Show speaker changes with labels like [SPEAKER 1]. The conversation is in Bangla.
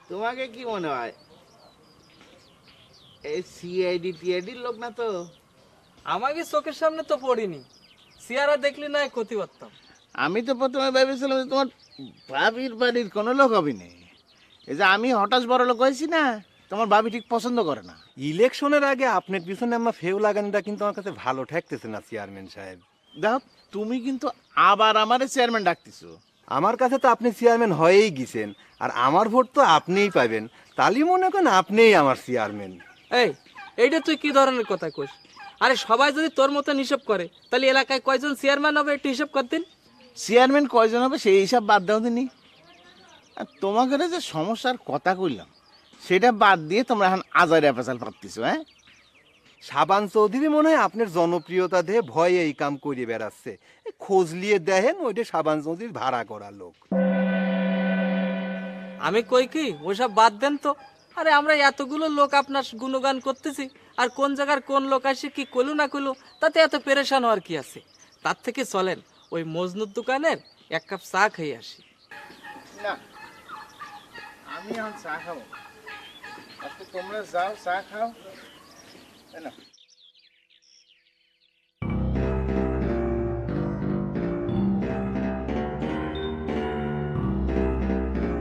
[SPEAKER 1] তোমাকে কি মনে হয় এই সিআইডি টিআইডির লোক না তো?
[SPEAKER 2] আমাকে চোখের সামনে তো পড়িনি, সিয়ারা দেখলি না ক্ষতি করতাম।
[SPEAKER 1] আমি তো প্রথমে ভেবেছিলাম যে তোমার ভাবির বাড়ির কোনো লোক হবে না। এই যে আমি হঠাৎ বড় লোক হয়েছি না, তোমার ভাবি ঠিক পছন্দ করে না।
[SPEAKER 3] ইলেকশনের আগে আপনার পিছনে আমার ফেউ লাগানোটা কিন্তু আমার কাছে ভালো ঠেকতেছে না চেয়ারম্যান সাহেব।
[SPEAKER 1] দেখো, তুমি কিন্তু আবার আমারে চেয়ারম্যান ডাকতেছো।
[SPEAKER 3] আমার কাছে তো আপনি চেয়ারম্যান হয়েই গেছেন, আর আমার ভোট তো আপনিই পাবেন। তালি মনে করেন আপনিই আমার চেয়ারম্যান।
[SPEAKER 2] এই, এইটা তুই কি ধরনের কথা কইস? আরে সবাই যদি তোর মতন হিসাব করে তাহলে এলাকায় কয়জন চেয়ারম্যান হবে একটু হিসাব করতেন।
[SPEAKER 1] চেয়ারম্যান কয়জন হবে সেই হিসাব বাদ দাও দিনি। আর তোমাকে যে সমস্যার কথা কইলাম সেটা বাদ দিয়ে তোমরা এখন আজারে পেঁচাল পাচ্ছিস। হ্যাঁ,
[SPEAKER 3] সাবান চৌধুরী মনে হয় আপনার জনপ্রিয়তা দিয়ে ভয়ে এই কাম করিয়ে বেড়াচ্ছে। এই খোঁজ নিয়ে দেখেন, ওইটা সাবান চৌধুরীর ভাড়া করা লোক।
[SPEAKER 2] আমি কই কি ওসব বাদ দেন তো। আরে আমরা এতগুলো লোক আপনার গুণগান করতেছি, আর কোন জায়গার কোন লোক আসে কি কইলো না কইলো তাতে এত পেরেশান হওয়ার কি আছে? তার থেকে চলেন ওই মজনুর দোকানের এক কাপ চা খেয়ে আসি।
[SPEAKER 1] না, আমি এখন চা খাবো। আজকে তোমরা যাও, চা খাও, তাই না?